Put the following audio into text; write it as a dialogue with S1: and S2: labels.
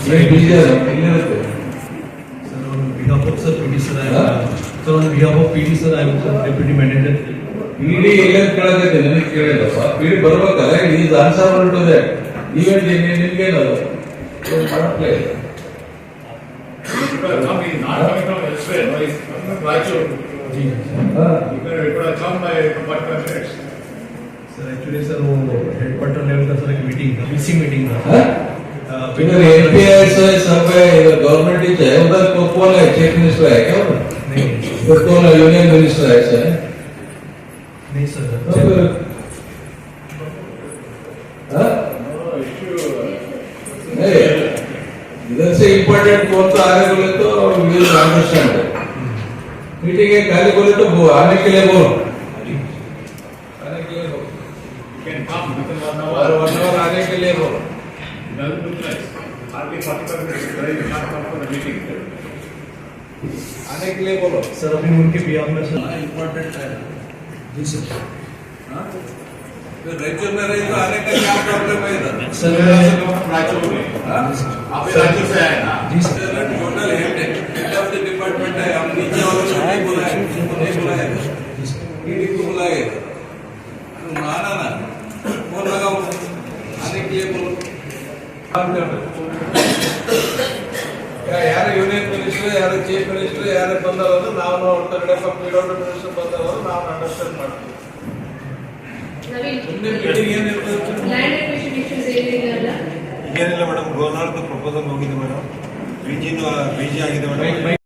S1: behalf of Sir PD Sir, sir on behalf of PD Sir, I am Deputy Manager.
S2: PD ಎಲ್ಲೆಲ್ಲ ಕೇಳಕೈತೆ ನನಗೆ ಕೇಳಿಲ್ಲಪ್ಪ. PD ಬರ್ಬೇಕಲ್ಲ, is answerable to that. Event ನಿನ್ಗೇನದು ಮಾಡಪ್ಲೇ ಇಲ್ಲ.
S3: Not coming from elsewhere, no, it's coming from Raichur. You could have come by 45 minutes.
S1: Sir, actually sir, वो headquarter level का सर एक meeting था, VC meeting था.
S2: इधर एनपीआई से सब है, इधर गवर्नमेंट ही है, उधर कौन है, चीफ मिनिस्टर है क्या उधर?
S1: नहीं,
S2: उधर कौन है, यूनियन मिनिस्टर है ऐसा है?
S1: नहीं सर.
S2: इधर से इम्पोर्टेंट कौन सा आने बोले तो विल अंडरस्टैंड. मीटिंग है खाली बोले तो आने के लिए बोल. आने के लिए बोल.
S3: You can come within 1 hour.
S2: और 1 hour आने के लिए बोल.
S3: It doesn't look nice. Hardly 45 minutes. Today you can't come for the meeting.
S2: आने के लिए बोलो.
S1: सर अभी उनके बिहार में सर
S2: इम्पोर्टेंट है.
S1: जी सर.
S2: तो रायचूर में रही तो आने का क्या प्रॉब्लम है इधर?
S1: सर
S3: रायचूर में. आप भी रायचूर से आए ना?
S1: जी sir.
S2: Total head of the department है. हम नीचे वालों को नहीं बुलाए, उनको नहीं बुलाए. ईडी को बुलाए. आना ना. फोन लगाओ. आने के लिए बोलो. ಯಾರು ಯೂನಿಯನ್ ಮಿನಿಸ್ಟರ್, ಯಾರು ಚೀಫ್ ಮಿನಿಸ್ಟರ್, ಯಾರು ಬಂದವರು ನಾವು ಹೊರಗಡೆ ಪೀಡಬ್ಲ್ಯೂ ಮಿನಿಸ್ಟರ್ ಬಂದವರು ನಾವು ಅಂಡರ್ಸ್ಟ್ಯಾಂಡ್ ಮಾಡ್ತೀವಿ. ಮುಂದೆ ಮೀಟಿಂಗ್ ಏನಿರ್ತದೆ?
S4: ಲ್ಯಾಂಡ್ ಅಕ್ವಿಸಿಷನ್ ಇಶ್ಯೂಸ್ ಏನಿಲ್ಲ
S5: ಏನಿಲ್ಲ ಮೇಡಮ್, ಗವರ್ನರ್ ಪ್ರಪೋಸಲ್ ಹೋಗಿದೆ ಮೇಡಮ್, ಬಿಜಿ ಆಗಿದೆ ಮೇಡಮ್.